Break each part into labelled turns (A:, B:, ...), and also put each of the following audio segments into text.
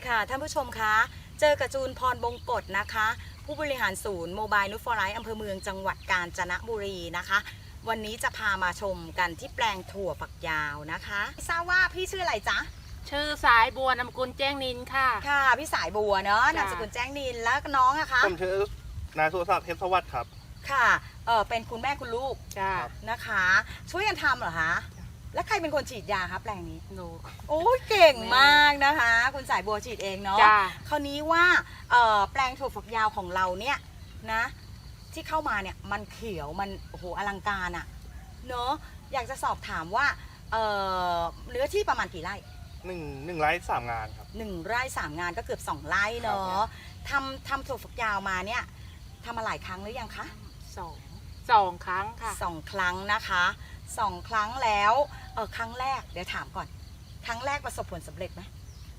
A: ค่ะท่านผู้ชมคะเจอกับจูนพรบงกฎนะคะผู้บริหารศูนย์โมบายนูตฟอร์ไลท์อำเภอเมืองจังหวัดกาญจนบุรีนะคะวันนี้จะพามาชมกันที่แปลงถั่วฝักยาวนะคะทราบว่าพี่ชื่ออะไรจ๊ะ
B: ชื่อสายบัวนามสกุลแจ้งนินค่ะ
A: ค่ะพี่สายบัวเนาะนามสกุลแจ้งนินแล้วน้องอะคะ
C: ผมชื่อนายสุรศักดิ์เทพสวัสดิ์ครับ
A: ค่ะเป็นคุณแม่คุณลูก
B: จ้า
A: นะคะช่วยกันทำเหรอคะแล้วใครเป็นคนฉีดยาคะแปลงนี้
B: หนู
A: โอ้ยเก่งมากนะคะคุณสายบัวฉีดเองเนาะคราวนี้ว่าแปลงถั่วฝักยาวของเราเนี่ยนะที่เข้ามาเนี่ยมันเขียวมันโอ้โหอลังการอะเนาะอยากจะสอบถามว่าเนื้อที่ประมาณกี่ไร่
C: หนึ่งไร่3 งานครับ
A: 1 ไร่ 3 งานก็เกือบ2 ไร่เนาะทำถั่วฝักยาวมาเนี่ยทำมาหลายครั้งหรือยังคะ
B: สองครั้งค่ะ
A: 2 ครั้งนะคะ2 ครั้งแล้วครั้งแรกเดี๋ยวถามก่อนครั้งแรกประสบผลสำเร็จไหม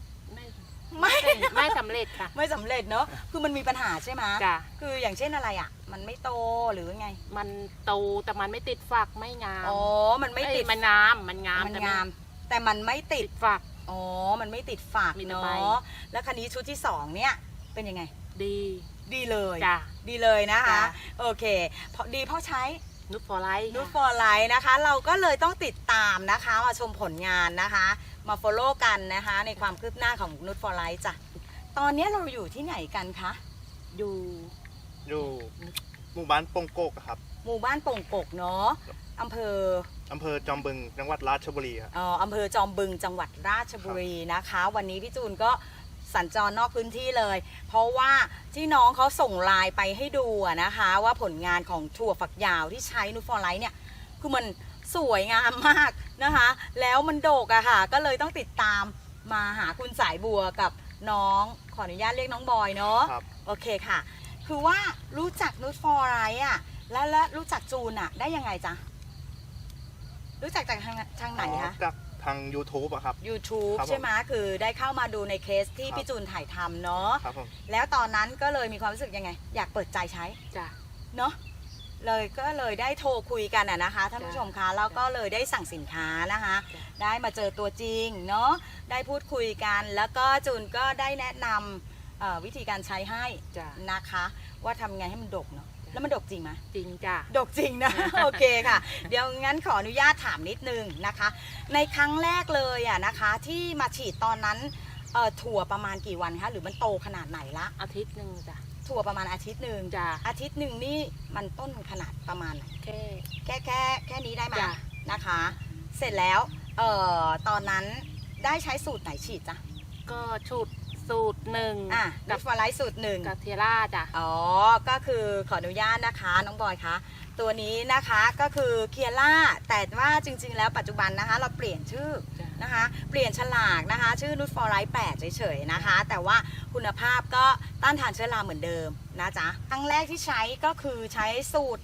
B: ไม่สำเร็จค่ะ
A: ไม่สำเร็จเนาะคือมันมีปัญหาใช่ไหม
B: จ้ะ
A: คืออย่างเช่นอะไรอ่ะมันไม่โตหรือไง
B: มันโตแต่มันไม่ติดฝักไม่งาม
A: อ๋อมันไม่ติด
B: มันงามมันงาม
A: แต่มันไม่ติด
B: ฝัก
A: อ๋อมันไม่ติดฝักเนาะแล้วคันนี้ชุดที่2เนี่ยเป็นยังไงดีเลย
B: จ้ะ
A: ดีเลยนะคะโอเคดีเพราะใช้
B: นูตฟอร์ไลท์
A: นะคะเราก็เลยต้องติดตามนะคะมาชมผลงานนะคะมา follow กันนะคะในความคืบหน้าของนูตฟอร์ไลท์จ้ะตอนนี้เราอยู่ที่ไหนกันคะ
C: อยู่หมู่บ้านปงโกกครับ
A: หมู่บ้านปงโกกเนาะอำเภอ
C: จอมบึงจังหวัดราชบุรีครับ
A: อำเภอจอมบึงจังหวัดราชบุรีนะคะวันนี้พี่จูนก็สัญจรนอกพื้นที่เลยเพราะว่าที่น้องเขาส่งไลน์ไปให้ดูนะคะว่าผลงานของถั่วฝักยาวที่ใช้นูตฟอร์ไลท์เนี่ยคือมันสวยงามมากนะคะแล้วมันโดกอะค่ะก็เลยต้องติดตามมาหาคุณสายบัวกับน้องขออนุญาตเรียกน้องบอยเนาะโอเคค่ะคือว่ารู้จักนูตฟอร์ไลท์อะแล้วรู้จักจูนอะได้ยังไงจ๊ะรู้จักจากทางไหนคะ
C: ทาง YouTube อะครับ
A: YouTube ใช่ไหมคือได้เข้ามาดูในเคสที่พี่จูนถ่ายทำเนาะ
C: ครับผม
A: แล้วตอนนั้นก็เลยมีความรู้สึกยังไงอยากเปิดใจใช้
B: จ้ะ
A: เนาะก็เลยได้โทรคุยกันนะคะท่านผู้ชมคะแล้วก็เลยได้สั่งสินค้านะคะได้มาเจอตัวจริงเนาะได้พูดคุยกันแล้วก็จูนก็ได้แนะนำวิธีการใช้ให้นะคะว่าทำไงให้มันดกเนาะแล้วมันดกจริงไหม
B: จริงจ้ะ
A: ดกจริงนะโอเคค่ะเดี๋ยวงั้นขออนุญาตถามนิดนึงนะคะในครั้งแรกเลยนะคะที่มาฉีดตอนนั้นถั่วประมาณกี่วันคะหรือมันโตขนาดไหนละ
B: อาทิตย์หนึ่งจ้ะ
A: ถั่วประมาณอาทิตย์หนึ่ง
B: จ้ะ
A: อาทิตย์หนึ่งนี่มันต้นขนาดประมาณไหนแค่นี้ได้ไหมนะคะเสร็จแล้วตอนนั้นได้ใช้สูตรไหนฉีดจ้ะ
B: ก็สูตรหนึ่ง
A: นูตฟอร์ไลท์สูตร1
B: กับเทล่าจ้ะ
A: ก็คือขออนุญาตนะคะน้องบอยคะตัวนี้นะคะก็คือเคียร่าแต่ว่าจริงๆแล้วปัจจุบันนะคะเราเปลี่ยนชื่อนะคะเปลี่ยนฉลากนะคะชื่อนูตฟอร์ไลท์8เฉยๆนะคะแต่ว่าคุณภาพก็ต้านทานเชื้อราเหมือนเดิมนะจ๊ะครั้งแรกที่ใช้ก็คือใช้สูตร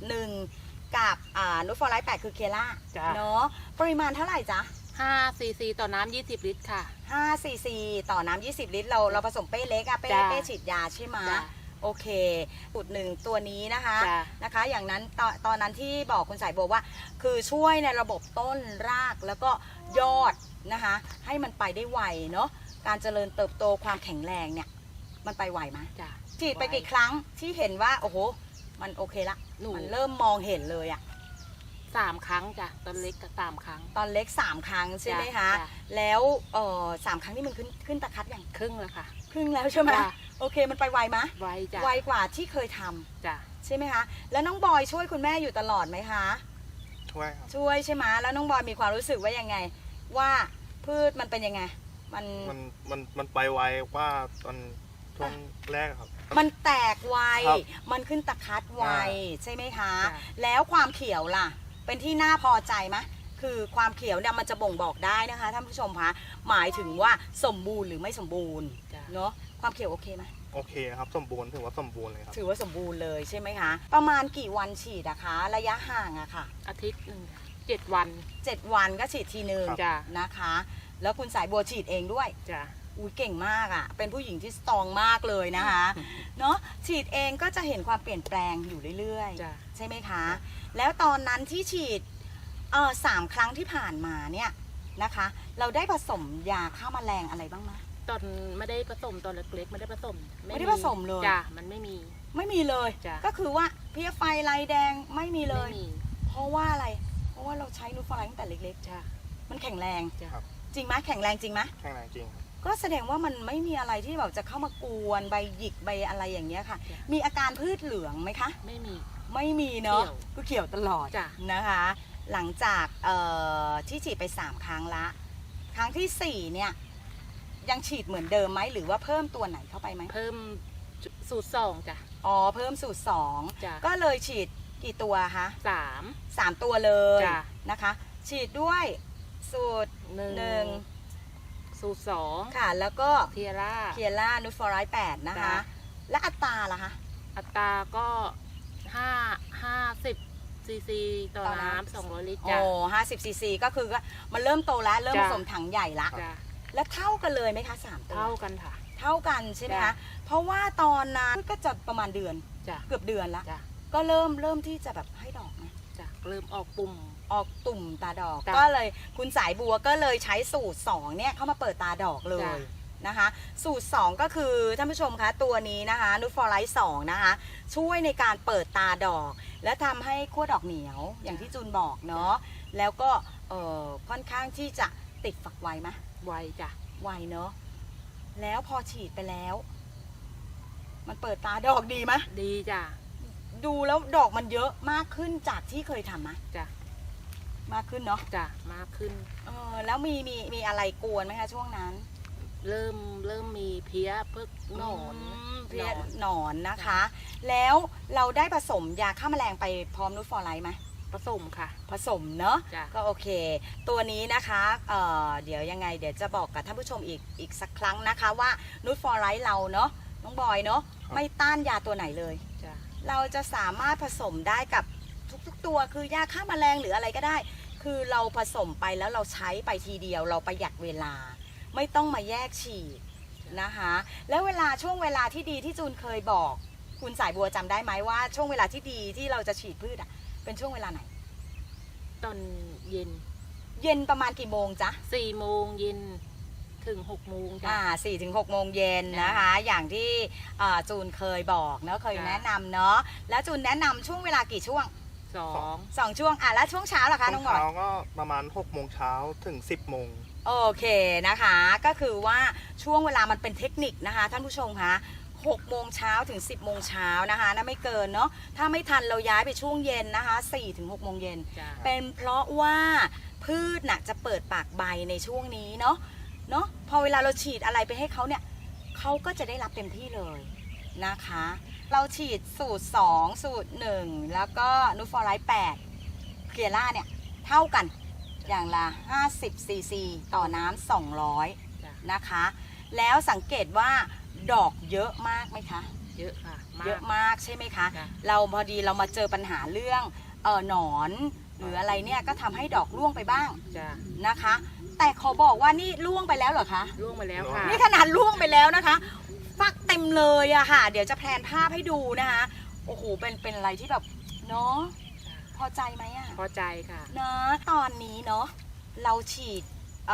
A: 1กับนูตฟอร์ไลท์8คือเคียร่าเนาะปริมาณเท่าไหร่จ๊ะ
B: 5 cc ต่อน้ำ20 ลิตรค่ะ
A: 5 cc ต่อน้ำ20 ลิตรเราผสมเป้เล็กเป้ฉีดยาใช่ไหมโอเคสูตร1ตัวนี้นะคะอย่างนั้นตอนนั้นที่บอกคุณสายบัวว่าคือช่วยในระบบต้นรากแล้วก็ยอดนะคะให้มันไปได้ไวเนาะการเจริญเติบโตความแข็งแรงเนี่ยมันไปไวไหมฉีดไปกี่ครั้งที่เห็นว่าโอ้โหมันโอเคละมันเริ่มมองเห็นเลย
B: 3 ครั้งจ้ะตอนเล็กก็3 ครั้ง
A: ตอนเล็ก3 ครั้งใช่ไหมคะแล้ว3 ครั้งนี่มันขึ้นตะคัดอย่าง
B: ครึ่งแล้วค่ะ
A: ครึ่งแล้วใช่ไหมโอเคมันไปไวไหม
B: ไวจ้ะ
A: ไวกว่าที่เคยทำ
B: จ้ะ
A: ใช่ไหมคะแล้วน้องบอยช่วยคุณแม่อยู่ตลอดไหมคะ
C: ช่วยครับ
A: ช่วยใช่ไหมแล้วน้องบอยมีความรู้สึกว่ายังไงว่าพืชมันเป็นยังไง
C: มันไปไวกว่าตอนช่วงแรกครับ
A: มันแตกไวมันขึ้นตะคัดไวใช่ไหมคะแล้วความเขียวล่ะเป็นที่น่าพอใจไหมคือความเขียวเนี่ยมันจะบ่งบอกได้นะคะท่านผู้ชมคะหมายถึงว่าสมบูรณ์หรือไม่สมบูรณ์เนาะความเขียวโอเคไหม
C: โอเคครับสมบูรณ์ถือว่าสมบูรณ์เลยครับ
A: ถือว่าสมบูรณ์เลยใช่ไหมคะประมาณกี่วันฉีดนะคะระยะห่างอะค่ะ
B: อาทิตย์หนึ่ง7 วัน
A: ก็ฉีดทีนึงนะคะแล้วคุณสายบัวฉีดเองด้วย
B: จ้ะ
A: อุ้ยเก่งมากอะเป็นผู้หญิงที่สตรองมากเลยนะคะเนาะฉีดเองก็จะเห็นความเปลี่ยนแปลงอยู่เรื่อยๆใช่ไหมคะแล้วตอนนั้นที่ฉีด3 ครั้งที่ผ่านมาเนี่ยนะคะเราได้ผสมยาฆ่าแมลงอะไรบ้างไหม
B: ตอนไม่ได้ผสมตอนเล็กๆไม่ได้ผสม
A: ไม่ได้ผสมเลย
B: จ้ะมันไม่มี
A: ไม่มีเลย
B: จ้ะ
A: ก็คือว่าเพลี้ยไฟลายแดงไม่มีเลย
B: ไม่มี
A: เพราะว่าอะไร เพราะว่าเราใช้นูตฟอร์ไลท์ตั้งแต่เล็ก
B: จ้ะ
A: ๆ มันแข็งแรง
B: จ้ะ
C: ครับ
A: จริงไหมแข็งแรงจริงไหม
C: แข็งแรงจริงครับ
A: ก็แสดงว่ามันไม่มีอะไรที่แบบจะเข้ามากวนใบหยิกใบอะไรอย่างเงี้ยค่ะ
B: จ้ะ
A: มีอาการพืชเหลืองไหมคะ
B: ไม่มี
A: ไม่มีเนาะ
B: เขียว
A: ก็เขียวตลอด
B: จ้ะ
A: นะคะ หลังจากที่ฉีดไป3ครั้งละ ครั้งที่4เนี่ยยังฉีดเหมือนเดิมไหมหรือว่าเพิ่มตัวไหนเข้าไปไหม
B: เพิ่มสูตร2จ้ะ
A: อ๋อเพิ่มสูตร
B: จ้ะ
A: 2ก็เลยฉีดกี่ตัวคะ
B: 3
A: 3ตัวเลย
B: จ้ะ
A: นะคะ ฉีดด้วยสูตร
B: 1สูตร2
A: ค่ะ แล้วก็
B: เทียร่า
A: เคียร่านูตฟอร์ไลท์8นะคะ
B: จ้ะ
A: และอัตราล่ะคะ
B: อัตราก็50ซีซีต่อ
A: ต่อน้ำ
B: น้ำ200 ลิตร
A: โอ้
B: จ้ะ
A: 50 ซีซีก็คือก็มันเริ่มโตแล้ว เริ่มผ
B: จ้ะ
A: สมถังใหญ่ละ
B: จ้ะ
A: แล้วเท่ากันเลยไหมคะ3ตัว
B: เท่ากันค่ะ
A: เท่ากันใช่ไหม
B: จ้ะ
A: คะ เพราะว่าตอนนั้นก็จะประมาณเดือน
B: จ้ะ
A: เกือบเดือนละ
B: จ้ะ
A: ก็เริ่มที่จะแบบให้ดอกนะ
B: จ้ะเริ่มออกปุ่ม
A: ออกตุ่มตาดอก
B: จ้ะ
A: ก็เลยคุณสายบัวก็เลยใช้สูตร2เนี่ยเข้ามาเปิดตาดอกเลย
B: จ้ะ
A: นะคะ สูตร 2 ก็คือท่านผู้ชมคะตัวนี้นะคะนูตฟอร์ไลท์2นะคะช่วยในการเปิดตาดอก และทำให้ขั้วดอกเหนียวอย่างที่จูนบอกเนาะแล้วก็ค่อนข้างที่จะติดฝักไวไหม
B: ไวจ้ะ
A: ไวเนาะแล้วพอฉีดไปแล้ว มันเปิดตาดอกดีไหม
B: ดีจ้ะ
A: ดูแล้วดอกมันเยอะมากขึ้นจากที่เคยทำไหม
B: จ้ะ
A: มากขึ้นเนาะ
B: จ้ะมากขึ้น
A: แล้วมีอะไรกวนไหมคะช่วงนั้น
B: เริ่มมีเพี้ยเพิกหนอน
A: เพี้ย
B: หนอน
A: หนอนนะคะ แล้วเราได้ผสมยาฆ่าแมลงไปพร้อมนูตฟอร์ไลท์ไหม
B: ผสมค่ะ
A: ผสมเนาะ
B: จ้ะ
A: ก็โอเค ตัวนี้นะคะเดี๋ยวยังไงเดี๋ยวจะบอกกับท่านผู้ชมอีกสักครั้งนะคะว่านูตฟอร์ไลท์เราเนาะน้องบอยเนาะ
C: ครับ
A: ไม่ต้านยาตัวไหนเลย
B: จ้ะ
A: เราจะสามารถผสมได้กับทุกๆตัวคือยาฆ่าแมลงหรืออะไรก็ได้ คือเราผสมไปแล้วเราใช้ไปทีเดียวเราประหยัดเวลา ไม่ต้องมาแยกฉีดนะคะ แล้วช่วงเวลาที่ดีที่จูนเคยบอก คุณสายบัวจำได้ไหมว่าช่วงเวลาที่ดีที่เราจะฉีดพืชอะเป็นช่วงเวลาไหน
B: ตอนเย็น
A: เย็นประมาณกี่โมงจ๊ะ
B: 4 โมงเย็นถึง 6 โมงจ้ะ
A: 4 ถึง 6 โมงเย็นนะคะ อย่างที่จูนเคยบอกเนาะเคย
B: จ้ะ
A: แนะนำเนาะแล้วจูนแนะนำช่วงเวลากี่ช่วง
B: 2
A: 2 ช่วงแล้วช่วงเช้าล่ะคะ
C: ช่
A: น้
C: ว
A: อง งบอย
C: เช้าก็ประมาณ6 โมงเช้าถึง 10 โมง
A: โอเคนะคะก็คือว่าช่วงเวลามันเป็นเทคนิคนะคะท่านผู้ชมคะ6 โมงเช้าถึง 10 โมงเช้านะคะนะไม่เกินเนาะถ้าไม่ทันเราย้ายไปช่วงเย็นนะคะ4 ถึง 6 โมงเย็น
B: จ้ะ
A: เป็นเพราะว่าพืชน่ะจะเปิดปากใบในช่วงนี้เนาะพอเวลาเราฉีดอะไรไปให้เขาเนี่ยเขาก็จะได้รับเต็มที่เลยนะคะ เราฉีดสูตร 2 สูตร 1 แล้วก็นูตฟอร์ไลท์8เคลียร่าเนี่ยเท่ากันอย่างละ50 ซีซีต่อน้ำ200
B: จ้ะ
A: นะคะ แล้วสังเกตว่าดอกเยอะมากไหมคะ
B: เยอะค่ะ
A: เยอะมากใช่ไหมคะ
B: จ้ะ
A: เราพอดีเรามาเจอปัญหาเรื่องหนอนหรืออะไรเนี่ยก็ทำให้ดอกร่วงไปบ้าง
B: จ้ะ
A: นะคะ แต่ขอบอกว่านี่ร่วงไปแล้วเหรอคะ
B: ล่วงมาแล้วค่ะ
A: นี่ขนาดร่วงไปแล้วนะคะ ฟักเต็มเลยอะค่ะ เดี๋ยวจะแพลนภาพให้ดูนะคะโอ้โหเป็นอะไรที่แบบเนาะพอใจไหมอะ
B: พอใจค่ะ
A: นะตอนนี้เนาะเราฉีด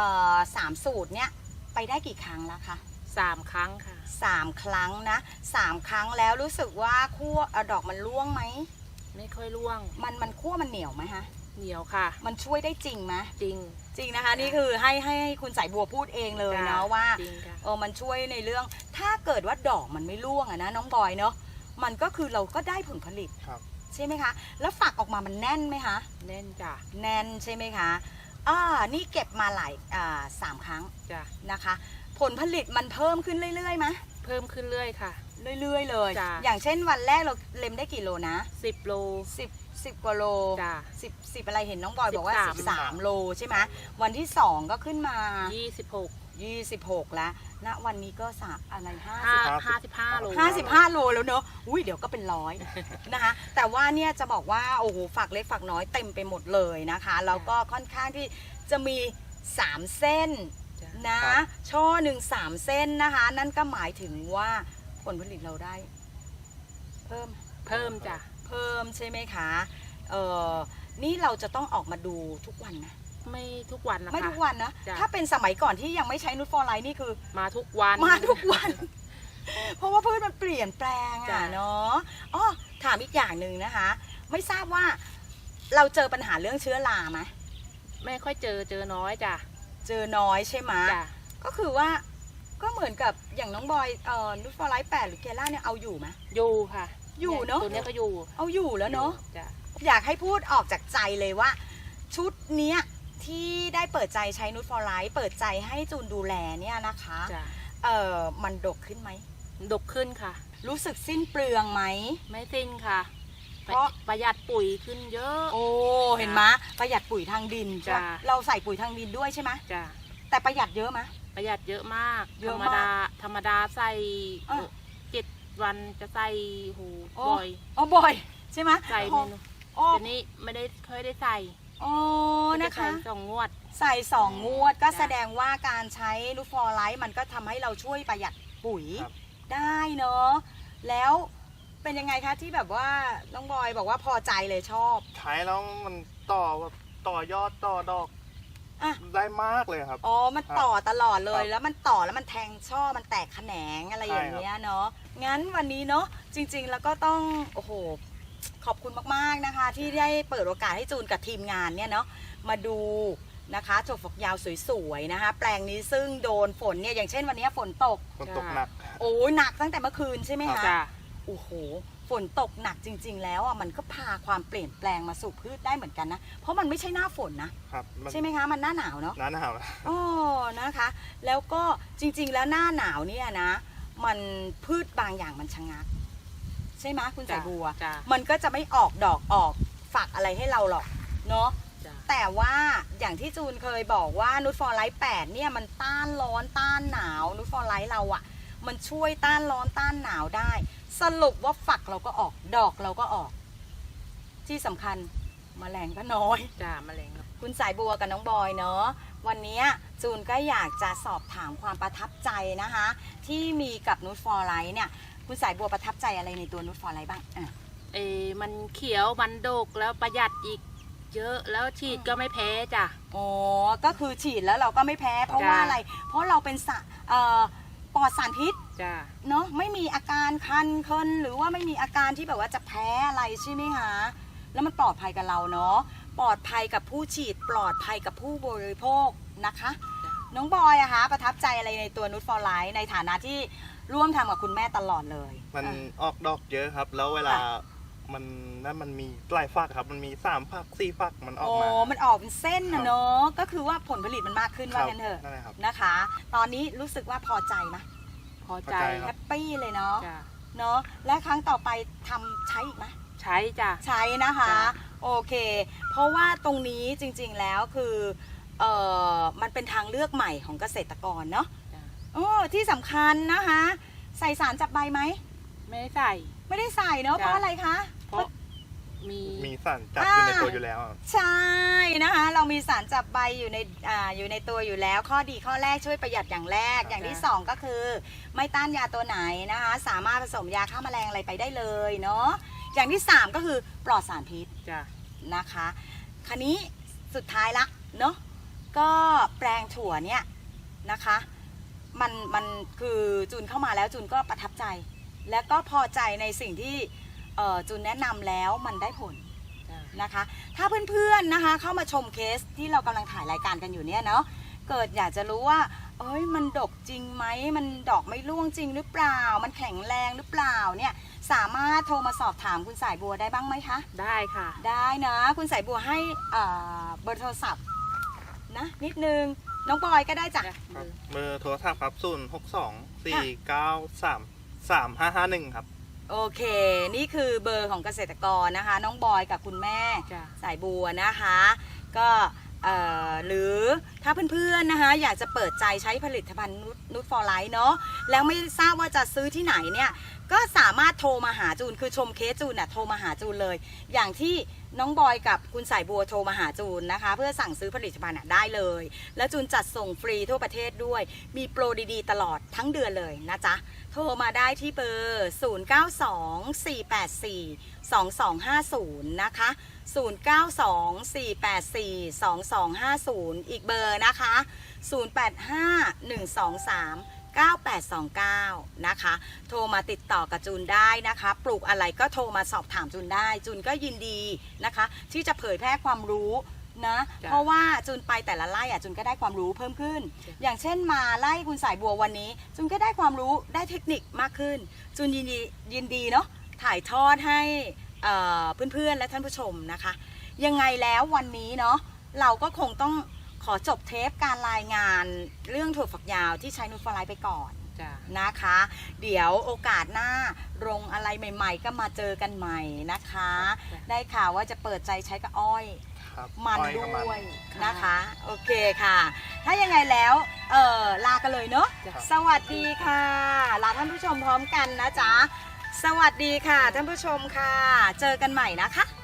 A: 3 สูตรเนี่ยไปได้กี่ครั้งแล้วคะ
B: 3 ครั้งค่ะ
A: 3 ครั้งนะ3 ครั้งแล้วรู้สึกว่าคั่วดอกมันร่วงไหม
B: ไม่ค่อยร่วง
A: มันคั่วมันเหนียวไหมฮะ
B: เหนียวค่ะ
A: มันช่วยได้จริงไหม
B: จริง
A: จริงนะคะ นี่คือให้คุณสายบัวพูดเองเลย
B: จ้ะ
A: เนาะว่า
B: จริงค่ะ
A: มันช่วยในเรื่องถ้าเกิดว่าดอกมันไม่ร่วงอะนะน้องบอยเนาะมันก็คือเราก็ได้ผลผลิต
C: ครับ
A: ใช่ไหมคะแล้วฝักออกมามันแน่นไหมคะ
B: แน่นจ้ะ
A: แน่นใช่ไหมคะนี่เก็บมาหลาย3 ครั้ง
B: จ้ะ
A: นะคะ ผลผลิตมันเพิ่มขึ้นเรื่อยๆไหม
B: เพิ่มขึ้นเรื่อยค่ะ
A: เรื่อยๆเลย
B: จ้ะ
A: อย่างเช่นวันแรกเราเล็มได้กี่โลนะ
B: 10 โล
A: 10 กว่าโล
B: จ้ะ
A: 10อะไรเห็นน้องบอยบอกว่า
B: 13
A: 13 โลใช่ไหมวันที่ 2 ก็ขึ้นมา 26 แล้วณวันนี้ก็อะไร
B: 55 โล
A: 55 โลแล้วเนอะอุ้ยเดี๋ยวก็เป็นร้อย นะคะแต่ว่าเนี่ยจะบอกว่าโอ้โหฝักเล็กฝักน้อยเต็มไปหมดเลยนะคะแล้วก็ค่อนข้างที่จะมี3 เส้น
B: จ้ะ
A: นะครับ ช่อหนึ่ง3 เส้นนะคะ นั่นก็หมายถึงว่าผลผลิตเราได้ เพิ่ม
B: เพิ่มจ้ะ
A: เพิ่มใช่ไหมคะนี่เราจะต้องออกมาดูทุกวันนะ
B: ไม่ทุกวันนะคะ
A: ไม่ทุกวันนะ
B: จ้ะ
A: ถ้าเป็นสมัยก่อนที่ยังไม่ใช้นูตฟอร์ไลท์นี่คือ
B: มาทุกวัน
A: มาทุกวัน เพราะว่าพืชมันเปลี่ยนแปลง
B: จ้ะ
A: อ่ะเนาะอ๋อถามอีกอย่างหนึ่งนะคะ ไม่ทราบว่าเราเจอปัญหาเรื่องเชื้อราไหม
B: ไม่ค่อยเจอน้อยจ้ะ
A: เจอน้อยใช่ไหม
B: จ้ะ
A: ก็คือว่าก็เหมือนกับอย่างน้องบอยนูตฟอร์ไลท์8หรือเกล่าเนี่ยเอาอยู่ไหม
B: อยู่ค่ะ
A: อยู่เนอะ
B: ตัวเนี้ยก็อยู่
A: เอาอยู่แล้วเนาะ
B: จ้ะ
A: อยากให้พูดออกจากใจเลยว่า ชุดเนี้ยที่ได้เปิดใจใช้นูตฟอร์ไลท์เปิดใจให้จูนดูแลเนี่ยนะคะ
B: จ้ะ
A: มันดกขึ้นไหม
B: ดกขึ้นค่ะ
A: รู้สึกสิ้นเปลืองไหม
B: ไม่สิ้นค่ะ
A: เพราะ
B: ประหยัดปุ๋ยขึ้นเยอะ
A: โอ้เห็นไหมประหยัดปุ๋ยทางดิน
B: จ้ะ
A: เราใส่ปุ๋ยทางดินด้วยใช่ไหม
B: จ้ะ
A: แต่ประหยัดเยอะไหม
B: ประหยัดเยอะมาก
A: เย
B: ธ
A: อะ
B: รรม
A: มาก
B: ดาธรรมดาใส่
A: อ่ะ
B: 7 วันจะใส่โห
A: โอ้
B: บ่อย
A: อ๋อบ่อยใช่ไหม
B: ใส่
A: พอ
B: เมนู
A: โอ้
B: ทีนี้ไม่ได้ค่อยได้ใส่
A: โอ้นะคะ
B: จใส่2 งวด
A: ใส่2 งวดก็
B: จ้ะ
A: แสดงว่าการใช้นูตฟอร์ไลท์มันก็ทำให้เราช่วยประหยัดปุ๋ย
C: ครับ
A: ได้เนาะแล้วเป็นยังไงคะที่แบบว่าน้องบอยบอกว่าพอใจเลยชอบ
C: ใช้แล้วมันต่อยอดต่อดอก
A: อ่ะ
C: ได้มากเลยครับ
A: อ๋อ มันต่อตลอดเลย
C: ครับ
A: แล้วมันต่อแล้วมันแทงช่อ มันแตกแขนงอะไรอย่างเงี้ยเนาะ งั้นวันนี้เนาะ จริง ๆ แล้วก็ต้อง โอ้โห ขอบคุณมากๆนะคะ ที่ได้เปิดโอกาสให้จูนกับทีมงานเนี่ยเนาะ มาดูนะคะถั่วฝักยาวสวยๆนะคะ แปลงนี้ซึ่งโดนฝนเนี่ย อย่างเช่นวันนี้ฝนตก
C: ฝนตกหนัก
A: โอ้ยหนักตั้งแต่เมื่อคืนใช่ไหมคะ
B: จ้ะ
A: โอ้โห ฝนตกหนักจริง ๆ แล้วอ่ะ มันก็พาความเปลี่ยนแปลงมาสู่พืชได้เหมือนกันนะ เพราะมันไม่ใช่หน้าฝนนะ
C: ครับมัน
A: ใช่ไหมคะ มันหน้าหนาวเนาะ
C: หน้าหนาว
A: โอ้นะคะ แล้วก็จริงๆ แล้วหน้าหนาวเนี่ยนะ มันพืชบางอย่างมันชะงัก ใช่ไหมคุณสายบัว
B: จ้ะ
A: มันก็จะไม่ออกดอกออกฝักอะไรให้เราหรอกเนาะ
B: จ้ะ
A: แต่ว่าอย่างที่จูนเคยบอกว่านูตฟอร์ไลท์8เนี่ยมันต้านร้อนต้านหนาวนูตฟอร์ไลท์เราอะมันช่วยต้านร้อนต้านหนาวได้ สรุปว่าฝักเราก็ออกดอกเราก็ออก ที่สำคัญแมลงก็น้อย
B: จ้ะแมลงครับ
A: คุณสายบัวกับน้องบอยเนาะวันนี้จูนก็อยากจะสอบถามความประทับใจนะคะ ที่มีกับนูตฟอร์ไลท์เนี่ยคุณสายบัวประทับใจอะไรในตัวนูตฟอร์ไลท์บ้างอ่ะ
B: มันเขียวมันดกแล้วประหยัดอีก เยอะแล้วฉีดก็ไม่แพ้จ้ะ
A: อ๋อก็คือฉีดแล้วเราก็ไม่แพ้ เพราะว่าอะไร เพราะเราเป็นปลอดสารพิษ
B: จ้ะ
A: เนาะไม่มีอาการคันเคินหรือว่าไม่มีอาการที่แบบว่าจะแพ้อะไรใช่ไหมคะแล้วมันปลอดภัยกับเราเนาะปลอดภัยกับผู้ฉีดปลอดภัยกับผู้บริโภคนะคะ น้องบอยอะคะประทับใจอะไรในตัวนูตฟอร์ไลท์ในฐานะที่ร่วมทำกับคุณแม่ตลอดเลย
C: มัน
A: อ่ะ
C: ออกดอกเยอะครับ แล้วเวลา
A: ค่ะ
C: มันมีหลายฝักครับ มันมี3 ฝัก 4 ฝักมันออก
A: โอ้
C: มา
A: มันออกเป็นเส้นนะเนาะก็คือว่าผลผลิตมันมากขึ้น
C: ค
A: ว่า
C: รับ
A: กันเถอะ
C: นั่นแหละครับ
A: นะคะ ตอนนี้รู้สึกว่าพอใจไหม
B: พอใจ
C: พอใจ
A: แฮปปี้เลยเนาะ
B: จ้ะ
A: เนาะและครั้งต่อไปทำใช้อีกไหม
B: ใช้จ้ะ
A: ใช้นะคะ
B: จ้ะ
A: โอเค เพราะว่าตรงนี้จริงๆแล้วคือมันเป็นทางเลือกใหม่ของเกษตรกรเนาะ
B: จ้ะ
A: โอ้ที่สำคัญนะคะ ใส่สารจับใบไหม
B: ไม่ได้ใส่
A: ไม่ได้ใส่เนาะ
B: จ้ะ
A: เพราะอะไรคะ
B: เพราะมี
C: มีสารจับอยู่ในตัวอยู่แล้วอะ
A: ใช่นะคะ เรามีสารจับใบอยู่ในตัวอยู่แล้ว ข้อดีข้อแรกช่วยประหยัดอย่างแรก อย่างที่สองก็คือ ไม่ต้านยาตัวไหนนะคะ สามารถผสมยาฆ่าแมลงอะไรไปได้เลยเนาะอย่างที่สามก็คือปลอดสารพิษ
B: จ้ะ
A: นะคะคันนี้สุดท้ายละเนาะก็แปลงถั่วเนี่ยนะคะมันคือจูนเข้ามาแล้วจูนก็ประทับใจ และก็พอใจในสิ่งที่จูนแนะนำแล้วมันได้ผล
B: จ้ะ
A: นะคะถ้าเพื่อนๆนะคะเข้ามาชมเคสที่เรากำลังถ่ายรายการกันอยู่เนี่ยเนาะเกิดอยากจะรู้ว่าเอ้ยมันดกจริงไหมมันดอกไม่ร่วงจริงหรือเปล่ามันแข็งแรงหรือเปล่าเนี่ยสามารถโทรมาสอบถามคุณสายบัวได้บ้างไหมคะ
B: ได้ค่ะ
A: ได้นะคุณสายบัวให้เบอร์โทรศัพท์นะนิดนึงน้องบอยก็ได้จ้ะ
B: จ้ะ
C: ครับเบอร์โทรศัพท์ครับ062-493-3551ครับ
A: โอเค นี่คือเบอร์ของเกษตรกรนะคะ น้องบอยกับคุณแม่
B: จ้ะ
A: สายบัวนะคะก็หรือถ้าเพื่อนๆนะคะอยากจะเปิดใจใช้ผลิตภัณฑ์นูตฟอร์ไลท์เนาะแล้วไม่ทราบว่าจะซื้อที่ไหนเนี่ยก็สามารถโทรมาหาจูนคือชมเคสจูนน่ะโทรมาหาจูนเลย อย่างที่น้องบอยกับคุณสายบัวโทรมาหาจูนนะคะเพื่อสั่งซื้อผลิตภัณฑ์น่ะได้เลย แล้วจูนจัดส่งฟรีทั่วประเทศด้วยมีโปรดีๆตลอดทั้งเดือนเลยนะจ๊ะโทรมาได้ที่เบอร์ 092484 2250 นะคะ 0924842250 อีกเบอร์นะคะ 0851239829 นะคะ โทรมาติดต่อกับจูนได้นะคะ ปลูกอะไรก็โทรมาสอบถามจูนได้ จูนก็ยินดีนะคะ ที่จะเผยแพร่ความรู้นะ เพราะว่าจูนไปแต่ละไร่จูนก็ได้ความรู้เพิ่มขึ้น อย่างเช่นมาไล่คุณสายบัววันนี้จูนก็ได้ความรู้ได้เทคนิคมากขึ้น จูนยินดีเนาะถ่ายทอดให้เพื่อนๆและท่านผู้ชมนะคะ ยังไงแล้ววันนี้เนาะเราก็คงต้องขอจบเทปการรายงานเรื่องถั่วฝักยาวที่ใช้นูตฟลายไปก่อน
B: จ้ะ
A: นะคะ เดี๋ยวโอกาสหน้าลงอะไรใหม่ๆ ก็มาเจอกันใหม่นะคะ ได้ข่าวว่าจะเปิดใจใช้กับอ้อย
C: ครับ
A: มัน
C: อ้อย
A: ด้
C: กับมัน
A: วยนะคะ โอเคค่ะ ถ้ายังไงแล้วลากันเลยเนาะ
B: จ้ะ
A: สวัสดีค่ะลาท่านผู้ชมพร้อมกันนะจ๊ะสวัสดีค่ะท่านผู้ชมค่ะ เจอกันใหม่นะคะ